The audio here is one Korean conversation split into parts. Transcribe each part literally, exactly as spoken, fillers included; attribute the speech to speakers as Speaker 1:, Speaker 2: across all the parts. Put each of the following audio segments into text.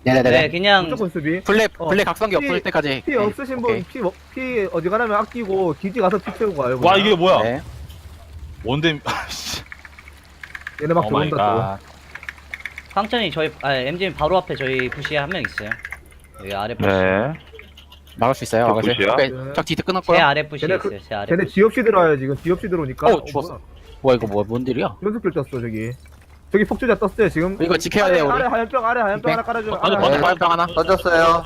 Speaker 1: 네네네.
Speaker 2: 네, 그냥
Speaker 3: 무조건 수비.
Speaker 1: 블랙
Speaker 3: 어.
Speaker 1: 블랙 각성기
Speaker 3: 피-
Speaker 1: 없을 때까지.
Speaker 3: 피 없으신 분, 피, 먹- 피 어디 가라면 아끼고 기지 가서 피 채우고 가요.
Speaker 4: 와
Speaker 3: 그냥.
Speaker 4: 이게 뭐야?
Speaker 1: 네.
Speaker 4: 뭔데? 아씨.
Speaker 3: 얘네 막
Speaker 4: 오 마이
Speaker 3: 들어온다
Speaker 4: 갓.
Speaker 2: 황천이 저희 아 엠지님 바로 앞에 저희 부시에 한 명 있어요. 여기 아래 부시.
Speaker 5: 네.
Speaker 1: 막을 수 있어요.
Speaker 5: 저
Speaker 1: 막을 수
Speaker 5: 굿이야?
Speaker 1: 있어요.
Speaker 3: 네.
Speaker 1: 적 디트
Speaker 2: 제
Speaker 1: 끊었고요.
Speaker 2: 아래 부시에
Speaker 3: 쟤네 그-
Speaker 2: 있어요. 제 아래.
Speaker 3: 쟤네
Speaker 2: 부시.
Speaker 3: 지 없이 들어와요 지금. 지 없이 들어오니까.
Speaker 1: 어, 죽었어. 뭐야 이거 뭐뭔 딜이야?
Speaker 3: 연속킬 떴어 저기. 저기 폭주자 떴어요 지금.
Speaker 1: 이거 지켜야
Speaker 3: 아래,
Speaker 1: 돼요, 우리.
Speaker 3: 아래 하얀병 아래 하얀병
Speaker 1: 네.
Speaker 3: 하나 깔아줘.
Speaker 4: 어,
Speaker 3: 아래
Speaker 4: 어,
Speaker 3: 하얀병.
Speaker 1: 화염병 하나.
Speaker 6: 던졌어요.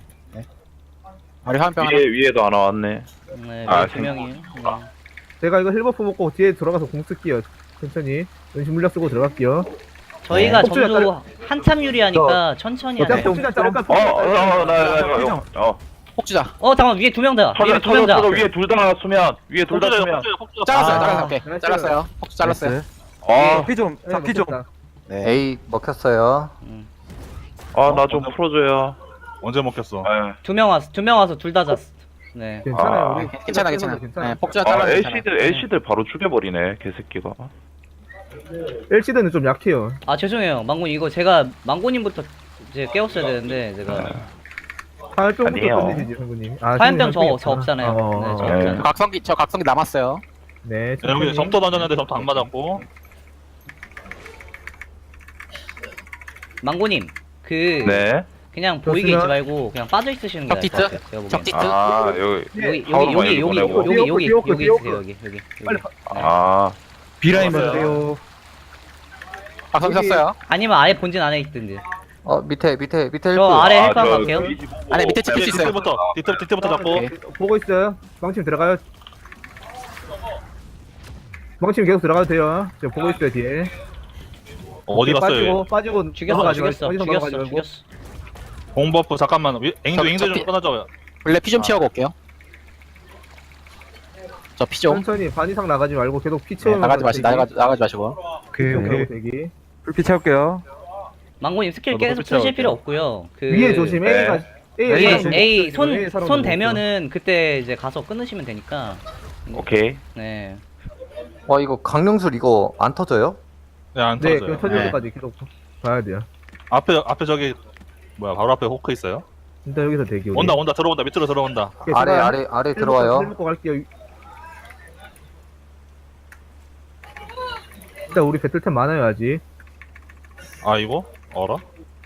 Speaker 1: 우리 화염병 하나.
Speaker 5: 위에 위에도 하나 왔네.
Speaker 2: 네,
Speaker 5: 아,
Speaker 2: 두 명이에요. 네.
Speaker 3: 제가 이거 힐버프 먹고 뒤에 들어가서 공 쓸게요. 천천히. 은신 물약 쓰고 들어갈게요.
Speaker 2: 저희가
Speaker 3: 네.
Speaker 2: 점수 한참 유리하니까 천천히
Speaker 3: 어차피
Speaker 2: 하세요.
Speaker 3: 폭주자 자를까?
Speaker 5: 어, 어, 어, 나, 나, 나, 어.
Speaker 1: 폭주자.
Speaker 2: 어 잠깐 위에 두 명 다. 위에
Speaker 5: 터져,
Speaker 2: 두 명
Speaker 5: 터져,
Speaker 2: 다.
Speaker 5: 터져. 위에 둘 다 수면. 위에 둘 다
Speaker 4: 폭주자
Speaker 5: 수면.
Speaker 4: 폭주자 폭주자.
Speaker 1: 잘랐어요.
Speaker 2: 아.
Speaker 1: 잘랐어요. 오케이.
Speaker 3: 나이스.
Speaker 1: 잘랐어요. 폭주 잘랐어요.
Speaker 5: 아,
Speaker 7: 피 좀,
Speaker 3: 네,
Speaker 7: 잡기 좀.
Speaker 3: 먹혔다.
Speaker 1: 네.
Speaker 6: A 먹혔어요.
Speaker 2: 음.
Speaker 5: 아, 나 좀 풀어줘요.
Speaker 4: 언제 먹혔어?
Speaker 5: 네.
Speaker 2: 두 명 와서 두 명 와서 둘 다 잤어. 네.
Speaker 3: 괜찮아요.
Speaker 5: 아,
Speaker 3: 우리
Speaker 1: 괜찮아 괜찮아. 네, 폭주자
Speaker 5: 아,
Speaker 1: 잘랐어요.
Speaker 5: 엘씨들, 엘씨들 바로 죽여버리네, 개새끼가.
Speaker 3: 엘씨드는 좀 약해요.
Speaker 2: 아 죄송해요, 망고님 이거 제가 망고님부터 이제 깨웠어야 되는데 제가
Speaker 3: 화염병부터
Speaker 5: 아니에요.
Speaker 3: 던지시지 성구님. 아,
Speaker 2: 화염병 저-
Speaker 3: 성구님
Speaker 2: 저 없잖아요.
Speaker 3: 어, 어,
Speaker 2: 네, 저
Speaker 3: 어.
Speaker 5: 네.
Speaker 2: 없잖아요.
Speaker 1: 각성기 저 각성기 남았어요.
Speaker 3: 네.
Speaker 4: 네, 여기
Speaker 3: 천천히.
Speaker 4: 점토 던졌는데 점토 안 맞았고.
Speaker 2: 망고님 그
Speaker 5: 네.
Speaker 2: 그냥 보이게
Speaker 3: 좋습니다.
Speaker 2: 있지 말고 그냥 빠져 있으시는 게 나을 것
Speaker 1: 적디트?
Speaker 2: 같아요. 제가 보기엔.
Speaker 1: 적디트.
Speaker 5: 아, 여기.
Speaker 2: 여기
Speaker 5: 파워로
Speaker 2: 여기
Speaker 5: 많이
Speaker 2: 여기 여기
Speaker 5: 보내고.
Speaker 2: 여기 여기
Speaker 3: 디오크,
Speaker 2: 여기
Speaker 3: 디오크.
Speaker 2: 있으세요 여기 여기
Speaker 3: 빨리
Speaker 2: 여기.
Speaker 5: 아,
Speaker 7: 비라인
Speaker 4: 맞아요.
Speaker 7: 먼저.
Speaker 3: 돼요.
Speaker 1: 각성
Speaker 3: 여기-
Speaker 1: 쳤어요.
Speaker 2: 아니면 아예 본진 안에 있든지.
Speaker 6: 어 밑에 밑에 밑에 헬프.
Speaker 2: 저 아래
Speaker 5: 아,
Speaker 2: 헬프 한번
Speaker 5: 저
Speaker 2: 갈게요.
Speaker 5: 뒤집어 보고.
Speaker 1: 아니, 밑에 찍힐 수 있어요.
Speaker 4: 뒤부터 뒤부터 뒤부터 잡고.
Speaker 1: 오케이.
Speaker 3: 보고 있어요. 망침 들어가요. 망침 계속 들어가도 돼요. 저 보고 있어요 뒤에.
Speaker 4: 어, 어디 갔어요? 얘?
Speaker 3: 빠지고 빠지고
Speaker 2: 죽였어
Speaker 3: 넘어가지
Speaker 2: 죽였어
Speaker 3: 말고,
Speaker 2: 죽였어
Speaker 3: 넘어가지 말고.
Speaker 2: 죽였어.
Speaker 4: 공버프 잠깐만. 위- 앵도
Speaker 1: 저-
Speaker 4: 앵도
Speaker 1: 저-
Speaker 4: 좀 끊어줘요.
Speaker 1: 블랙 피 좀 채우고 올게요. 저 피 좀.
Speaker 3: 천천히 반 이상 나가지 말고 계속 피
Speaker 1: 네,
Speaker 3: 채우면
Speaker 1: 나가지 마시 나가지 나가지 마시고.
Speaker 7: 오케이, 오케이.
Speaker 3: 대기.
Speaker 7: 불피 채울게요.
Speaker 2: 망고님 스킬
Speaker 4: 저도
Speaker 2: 계속
Speaker 4: 피
Speaker 2: 쓰실
Speaker 4: 채울게요.
Speaker 2: 필요 없고요. 그
Speaker 3: 위에 조심.
Speaker 5: 네.
Speaker 3: A가 A
Speaker 2: 위에
Speaker 3: A가 조심.
Speaker 2: A
Speaker 3: A
Speaker 2: 손
Speaker 3: 사람
Speaker 2: 손
Speaker 3: 좀
Speaker 2: 대면은 그때 이제 가서 끊으시면 되니까.
Speaker 5: 오케이.
Speaker 2: 네.
Speaker 6: 어 이거 강릉술 이거 안 터져요?
Speaker 4: 네, 안
Speaker 3: 네,
Speaker 4: 터져요.
Speaker 3: 그 터질 때까지 계속 봐야 돼요.
Speaker 4: 앞에 앞에 저기 뭐야? 바로 앞에 호크 있어요.
Speaker 3: 일단 여기서 대기. 우리.
Speaker 4: 온다 온다 들어온다 밑으로 들어온다.
Speaker 3: 오케이,
Speaker 6: 아래
Speaker 3: 제가
Speaker 6: 아래 아래
Speaker 3: 힐
Speaker 6: 들어와요.
Speaker 3: 먹고 갈게요. 일단 우리 배틀템 많아요 아직.
Speaker 4: 아 이거 어라?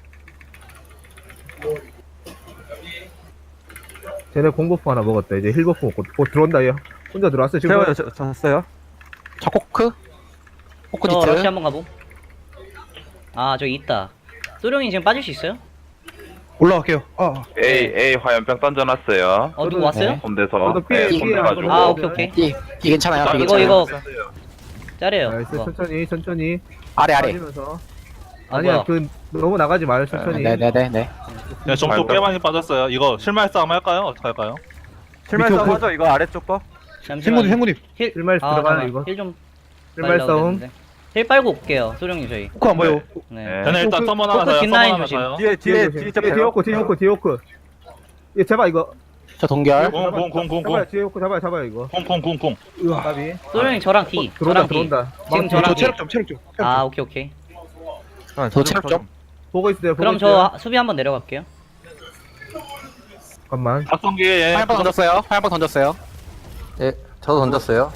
Speaker 3: 쟤네 공버프 하나 먹었다. 이제 힐버프 먹고 곧 들어온다 얘. 혼자 들어왔어요 지금.
Speaker 7: 채워요, 저- 졌어요.
Speaker 1: 저 코크. 코크
Speaker 2: 저 러시
Speaker 1: 디트.
Speaker 2: 한번 가보. 아 저기 있다. 소룡이 지금 빠질 수 있어요?
Speaker 7: 올라갈게요. 아,
Speaker 5: A, A 화염병 던져놨어요.
Speaker 2: 어 누구
Speaker 3: 저도-
Speaker 2: 왔어요?
Speaker 3: 네.
Speaker 5: 손대서.
Speaker 3: 저도 삐-
Speaker 5: 네,
Speaker 3: 삐-
Speaker 5: 손대가지고.
Speaker 2: 아 오케이 오케이.
Speaker 1: 이, 이 괜찮아요. 이
Speaker 2: 이거
Speaker 1: 괜찮아요.
Speaker 2: 이거 짜래요.
Speaker 3: 나이스
Speaker 2: 이거.
Speaker 3: 천천히 천천히
Speaker 1: 아래 아래.
Speaker 3: 빠지면서.
Speaker 2: 아,
Speaker 3: 아니야
Speaker 2: 뭐야.
Speaker 3: 그 너무 나가지 마요 천천히.
Speaker 1: 네네네 네.
Speaker 4: 네, 점토
Speaker 5: 아이고.
Speaker 4: 꽤 많이 빠졌어요. 이거 실마리 싸움 할까요? 어떻게 할까요?
Speaker 7: 실말
Speaker 3: 밑에
Speaker 7: 싸움
Speaker 3: 그-
Speaker 7: 하죠, 이거 아래쪽 거.
Speaker 2: 잠시만요.
Speaker 7: 행군님, 행군님.
Speaker 2: 힐
Speaker 3: 실말
Speaker 2: 아,
Speaker 3: 들어가요,
Speaker 2: 잠깐만.
Speaker 3: 이거.
Speaker 2: 힐좀
Speaker 3: 실말 싸움.
Speaker 2: 힐 빨고 올게요. 소룡이 저희.
Speaker 7: 포크 안 보여.
Speaker 2: 네.
Speaker 5: 네.
Speaker 4: 저는 일단
Speaker 3: 호크-
Speaker 4: 서먼 하나
Speaker 2: 호크
Speaker 4: 사요.
Speaker 2: 뒷라인
Speaker 4: 서먼 하나
Speaker 2: 조심.
Speaker 4: 사요.
Speaker 7: 뒤에, 뒤에, 뒤에 좀
Speaker 3: 뒤에 호크 뒤에 호크 뒤에 호크. 얘 잡아 이거.
Speaker 1: 저 동결.
Speaker 4: 공, 공, 공, 공,
Speaker 3: 잡아요
Speaker 4: 공.
Speaker 3: 뒤에 호크 잡아요 잡아요 이거.
Speaker 4: 공, 공, 공, 공.
Speaker 3: 으아 까비.
Speaker 2: 소룡이 저랑 D.
Speaker 3: 들어온다
Speaker 2: 저랑 D.
Speaker 3: 들어온다.
Speaker 2: 지금
Speaker 3: 막-
Speaker 2: 저랑
Speaker 7: 저
Speaker 2: D.
Speaker 7: 체력 좀, 체력 좀.
Speaker 2: 아 오케이 오케이.
Speaker 7: 아,
Speaker 1: 저 체력 좀.
Speaker 3: 보고 있어요. 보고
Speaker 2: 그럼
Speaker 3: 있어요.
Speaker 2: 저 수비 한번 내려갈게요.
Speaker 3: 잠깐만.
Speaker 4: 각성기에
Speaker 1: 화염병 던졌어요. 화염병 던졌어요.
Speaker 6: 예, 저도 던졌어요.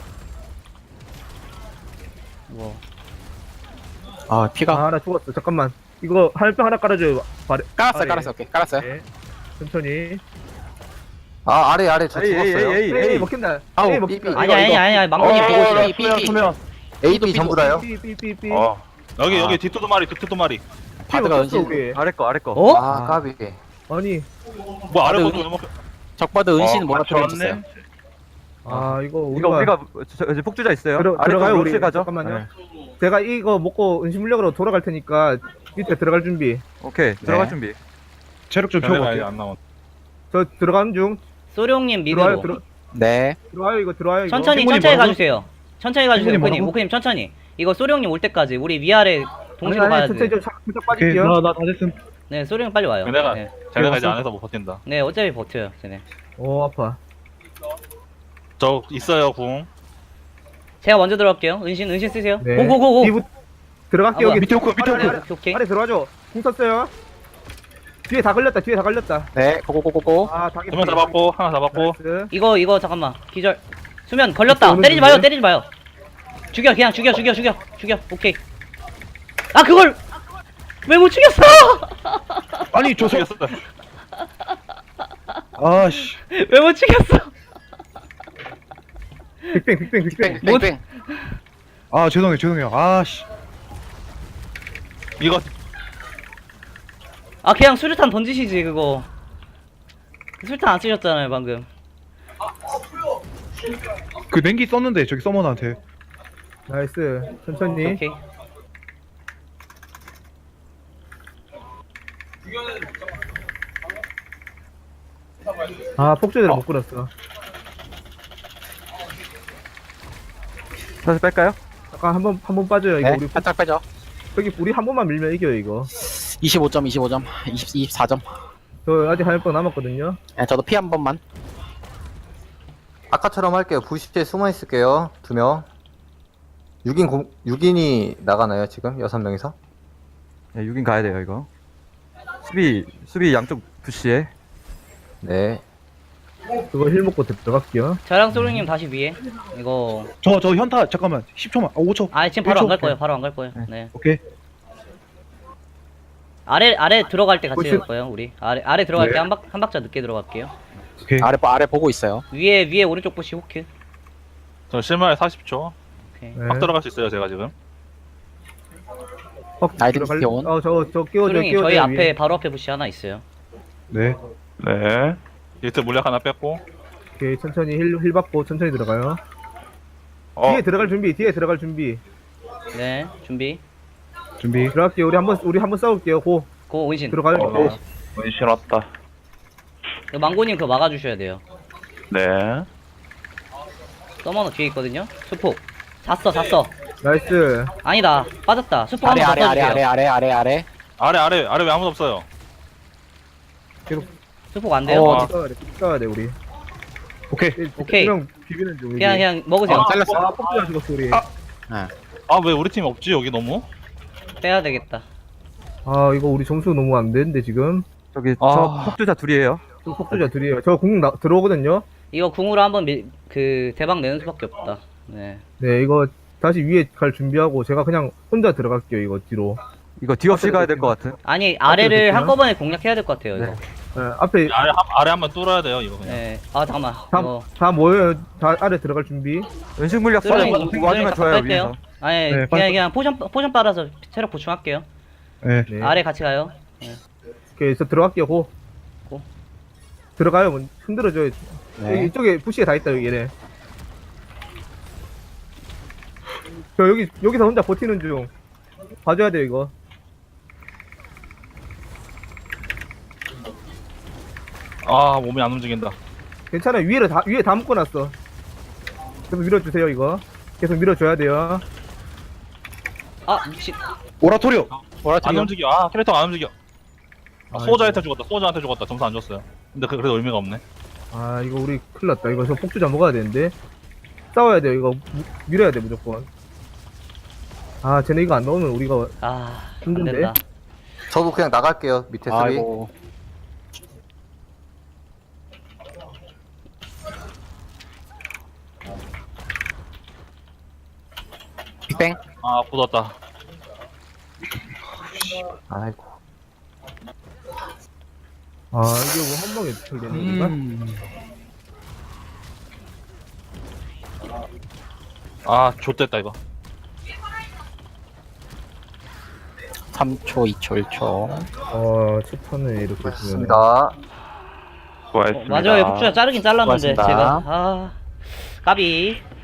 Speaker 2: 뭐.
Speaker 1: 아 피가.
Speaker 3: 아 나 죽었어. 잠깐만. 이거 할병 하나 깔아줘요. 발에.
Speaker 1: 깔았어요.
Speaker 3: 아래.
Speaker 1: 깔았어요. 오케이. 깔았어요.
Speaker 3: 네. 천천히.
Speaker 6: 아 아래 아래 저
Speaker 7: 에이, 에이,
Speaker 6: 죽었어요.
Speaker 7: 에이, 에이,
Speaker 3: 에이
Speaker 7: 에이.
Speaker 3: 먹힌다.
Speaker 1: 아우,
Speaker 3: 에이
Speaker 6: 삐,
Speaker 3: 먹힌다.
Speaker 6: 삐.
Speaker 2: 아니 아니 아니 아니 망고님
Speaker 5: 어,
Speaker 2: 보고
Speaker 5: 어,
Speaker 2: 있어.
Speaker 5: 어,
Speaker 1: 삐, 삐,
Speaker 5: 수면,
Speaker 1: 삐.
Speaker 5: 수면.
Speaker 6: A, B 전부 다요.
Speaker 3: 삐삐삐삐.
Speaker 5: 어,
Speaker 4: 여기
Speaker 1: 아.
Speaker 4: 여기 뒷도도 마리 뒷도도 마리.
Speaker 1: 바드가 은신.
Speaker 3: 우리.
Speaker 7: 아래 거, 아래 거.
Speaker 2: 어?
Speaker 6: 아 까비.
Speaker 3: 아니.
Speaker 4: 뭐 아래
Speaker 1: 바드
Speaker 4: 것도 너무
Speaker 1: 적바드 은신
Speaker 5: 어,
Speaker 1: 뭐라
Speaker 5: 맞췄네.
Speaker 1: 들어있어요.
Speaker 3: 아 이거
Speaker 7: 이거
Speaker 3: 우리가
Speaker 7: 우리가, 저, 저, 이제 폭주자 있어요.
Speaker 3: 들어,
Speaker 7: 아래
Speaker 3: 들어가요
Speaker 7: 거
Speaker 3: 우리.
Speaker 7: 롤스 가죠.
Speaker 3: 잠깐만요.
Speaker 7: 네.
Speaker 3: 제가 이거 먹고 은신물력으로 돌아갈 테니까 밑에 들어갈 준비.
Speaker 7: 오케이, 들어갈 준비.
Speaker 8: 체력 좀
Speaker 4: 전에
Speaker 8: 채워갈게요.
Speaker 4: 안 나온.
Speaker 3: 저 들어가는 중.
Speaker 2: 소룡님
Speaker 3: 들어와요
Speaker 2: 미드로.
Speaker 3: 들어
Speaker 1: 네.
Speaker 3: 들어와요 이거 들어와요 이거.
Speaker 2: 천천히
Speaker 8: 행군이
Speaker 2: 천천히
Speaker 8: 뭐라고?
Speaker 2: 가주세요. 천천히 가주세요.
Speaker 8: 행군이
Speaker 2: 모크님
Speaker 8: 뭐라고?
Speaker 2: 모크님 천천히. 이거 소룡님 올 때까지 우리 위아래 동시로
Speaker 3: 아니,
Speaker 2: 가야
Speaker 3: 아니, 천천히
Speaker 2: 돼.
Speaker 3: 좀 살- 살짝
Speaker 8: 오케이,
Speaker 3: 빠질게요.
Speaker 8: 나나 다 됐음.
Speaker 2: 네 소룡 빨리 와요.
Speaker 4: 내가
Speaker 2: 네.
Speaker 4: 쟤네가 이제 안에서 못 버틴다.
Speaker 2: 네 어차피 버텨요. 쟤네.
Speaker 3: 오 아파.
Speaker 4: 저 있어요 궁.
Speaker 2: 제가 먼저 들어갈게요. 은신 은신 쓰세요.
Speaker 3: 네.
Speaker 2: 고고고고.
Speaker 3: 이부 들어갈게요
Speaker 2: 아,
Speaker 3: 여기.
Speaker 2: 밑에
Speaker 3: 호크
Speaker 7: 밑에 호크.
Speaker 2: 오케이 오케이.
Speaker 3: 아래 들어와줘. 궁 썼어요. 뒤에 다 걸렸다. 뒤에 다 걸렸다.
Speaker 1: 네, 고고고고고.
Speaker 3: 아, 닭이.
Speaker 4: 두 명 잡았고 하나 잡았고.
Speaker 3: 나이스.
Speaker 2: 이거 이거 잠깐만 기절. 수면 걸렸다.
Speaker 3: 오늘
Speaker 2: 때리지 마요.
Speaker 3: 죽네.
Speaker 2: 때리지 마요. 죽여 그냥 죽여 죽여 죽여 죽여. 오케이. 아 그걸 왜 못 죽였어?
Speaker 8: 아니 저 서...
Speaker 4: 죽였어.
Speaker 8: 아씨
Speaker 2: 왜 못 죽였어?
Speaker 3: 빅뱅, 빅뱅, 빅뱅.
Speaker 1: 뺑뺑.
Speaker 8: 아 죄송해요 죄송해요 아씨
Speaker 4: 이거
Speaker 2: 아 그냥 수류탄 던지시지 그거. 수류탄 안 쓰셨잖아요 방금.
Speaker 8: 그 냉기 썼는데 저기 서머너한테
Speaker 3: 나이스. 천천히.
Speaker 2: 오케이.
Speaker 3: 아, 폭주대를 못 끌었어.
Speaker 7: 다시 뺄까요?
Speaker 3: 잠깐 한 번 한 번 빠져요. 이거
Speaker 1: 네,
Speaker 3: 우리
Speaker 1: 살짝 빼죠.
Speaker 3: 여기 우리 한 번만 밀면 이겨요 이거.
Speaker 1: 이십오 점, 이십오 점, 이십, 이십사 점.
Speaker 3: 저 아직 화염병 남았거든요.
Speaker 1: 네, 저도 피 한 번만.
Speaker 6: 아까처럼 할게요. 부시에 숨어 있을게요. 두 명. 육 인 공, 육 인이 나가나요, 지금? 여섯 명이서?
Speaker 7: 네, 육 인 가야 돼요, 이거. 수비, 수비 양쪽 푸시에.
Speaker 6: 네.
Speaker 3: 그거 힐 먹고 들어갈게요.
Speaker 2: 저랑 소룡님 다시 위에. 이거
Speaker 8: 저 저 현타 잠깐만 십 초만 아 오 초
Speaker 2: 아 지금 바로 안 갈
Speaker 8: 일 초.
Speaker 2: 거예요. 바로 안 갈 거예요. 네.
Speaker 8: 오케이
Speaker 2: 아래 아래 들어갈 때 같이
Speaker 3: 혹시-
Speaker 2: 갈 거예요. 우리 아래 아래 들어갈
Speaker 8: 네.
Speaker 2: 때 한 박 한 박자 늦게 들어갈게요.
Speaker 8: 오케이
Speaker 1: 아래, 아래 보고 있어요.
Speaker 2: 위에 위에 오른쪽 부시 호크.
Speaker 4: 저 실마리 사십 초.
Speaker 2: 오케이.
Speaker 3: 네.
Speaker 4: 막 들어갈 수 있어요 제가 지금.
Speaker 3: 퍽
Speaker 1: 아이덴티티
Speaker 3: 들어갈-
Speaker 1: 온.
Speaker 3: 어, 저거 저 끼워줘
Speaker 2: 소룡님
Speaker 3: 끼워줘.
Speaker 2: 저희 앞에 바로 앞에 부시 하나 있어요.
Speaker 8: 네
Speaker 5: 네.
Speaker 4: 일트 물약 하나 뺐고.
Speaker 3: 오케이 천천히 힐, 힐 받고 천천히 들어가요.
Speaker 5: 어,
Speaker 3: 뒤에 들어갈 준비. 뒤에 들어갈 준비.
Speaker 2: 네 준비.
Speaker 8: 준비
Speaker 3: 들어갈게요. 우리 한번 우리 한번 싸울게요. 고
Speaker 2: 고 원신.
Speaker 3: 들어가요.
Speaker 5: 어,
Speaker 3: 고.
Speaker 5: 문신 왔다.
Speaker 2: 그 망고님 그거 막아주셔야 돼요.
Speaker 5: 네.
Speaker 2: 서머너 뒤에 있거든요. 수폭. 샀어 샀어.
Speaker 3: 나이스.
Speaker 2: 아니다 빠졌다. 수폭
Speaker 1: 아래,
Speaker 2: 한번
Speaker 1: 아래,
Speaker 2: 더
Speaker 1: 아래,
Speaker 2: 써주세요.
Speaker 1: 아래, 아래, 아래, 아래.
Speaker 4: 아래 아래 아래 왜 아무도 없어요?
Speaker 2: 수폭 안 돼요.
Speaker 1: 어,
Speaker 3: 싸워야 돼. 싸워야 돼 우리.
Speaker 8: 오케이
Speaker 2: 오케이.
Speaker 3: 형 비비는 중.
Speaker 2: 그냥 그냥 먹으세요.
Speaker 1: 아, 잘렸어.
Speaker 3: 아, 폭주가 죽었어 우리.
Speaker 8: 아.
Speaker 4: 아 왜 우리 팀 없지 여기 너무?
Speaker 2: 빼야 되겠다.
Speaker 3: 아 이거 우리 점수 너무 안 되는데 지금.
Speaker 7: 저기,
Speaker 1: 아.
Speaker 7: 저 폭주자 둘이에요.
Speaker 3: 저 폭주자 둘이에요. 저공 들어오거든요.
Speaker 2: 이거 궁으로 한번 밀, 그 대박 내는 수밖에 없다. 네.
Speaker 3: 네 이거 다시 위에 갈 준비하고 제가 그냥 혼자 들어갈게요 이거 뒤로.
Speaker 7: 이거 뒤 없이 가야 될 것 같은.
Speaker 2: 아니 아래를
Speaker 3: 됐구나.
Speaker 2: 한꺼번에 공략해야 될 것 같아요. 이거.
Speaker 7: 네.
Speaker 3: 네, 앞에
Speaker 4: 아래 한, 아래 한번 뚫어야 돼요 이거 그냥.
Speaker 2: 네. 아 잠깐만.
Speaker 3: 다,
Speaker 2: 이거
Speaker 3: 다 모여요. 다 아래 들어갈 준비.
Speaker 7: 연식 물약 써서
Speaker 2: 소룡님
Speaker 7: 이거 와주면 좋아요,
Speaker 2: 뺄게요.
Speaker 7: 위에서.
Speaker 2: 아니
Speaker 8: 네,
Speaker 2: 그냥
Speaker 8: 빨리-
Speaker 2: 그냥 포션 포션 빨아서 체력 보충할게요.
Speaker 8: 네
Speaker 3: 네.
Speaker 2: 아래 같이 가요.
Speaker 3: 오케이 저 들어갈게요 고.
Speaker 2: 고.
Speaker 3: 들어가요. 뭐 흔들어줘요. 여기
Speaker 1: 네.
Speaker 3: 이쪽에 부시에 다 있다 여기 얘네. 저 여기 여기서 혼자 버티는 중. 봐줘야 돼요 이거.
Speaker 4: 아 몸이 안 움직인다.
Speaker 3: 괜찮아요. 위에를 다 위에 다 묶어놨어. 계속 밀어주세요 이거. 계속 밀어줘야 돼요.
Speaker 2: 아 미친.
Speaker 8: 오라토리오
Speaker 4: 안 움직여. 아 캐릭터가 안 움직여. 아, 소자한테 죽었다. 소자한테 죽었다. 점수 안 줬어요. 근데 그, 그래도 의미가 없네.
Speaker 3: 아 이거 우리 큰일 났다. 이거 저 폭주자 먹어야 되는데. 싸워야 돼요. 이거 무- 밀어야 돼 무조건. 아 쟤네 이거 안 넣으면 우리가
Speaker 2: 아
Speaker 3: 힘든데?
Speaker 2: 안된다.
Speaker 6: 저도 그냥 나갈게요. 밑에 수비.
Speaker 1: 아이고. 빅뱅.
Speaker 4: 아 굳었다.
Speaker 6: 아이고.
Speaker 3: 아 이게 뭐 한 방에 풀리는 건가?
Speaker 1: 음.
Speaker 4: 아 좆됐다 이거.
Speaker 1: 삼 초, 이 초, 일 초.
Speaker 3: 어 첫 판에 이렇게 주면
Speaker 6: 좋습니다.
Speaker 5: 수고하셨습니다.
Speaker 2: 맞아요. 폭주자 자르긴 잘랐는데
Speaker 1: 고맙습니다.
Speaker 2: 제가 아 까비.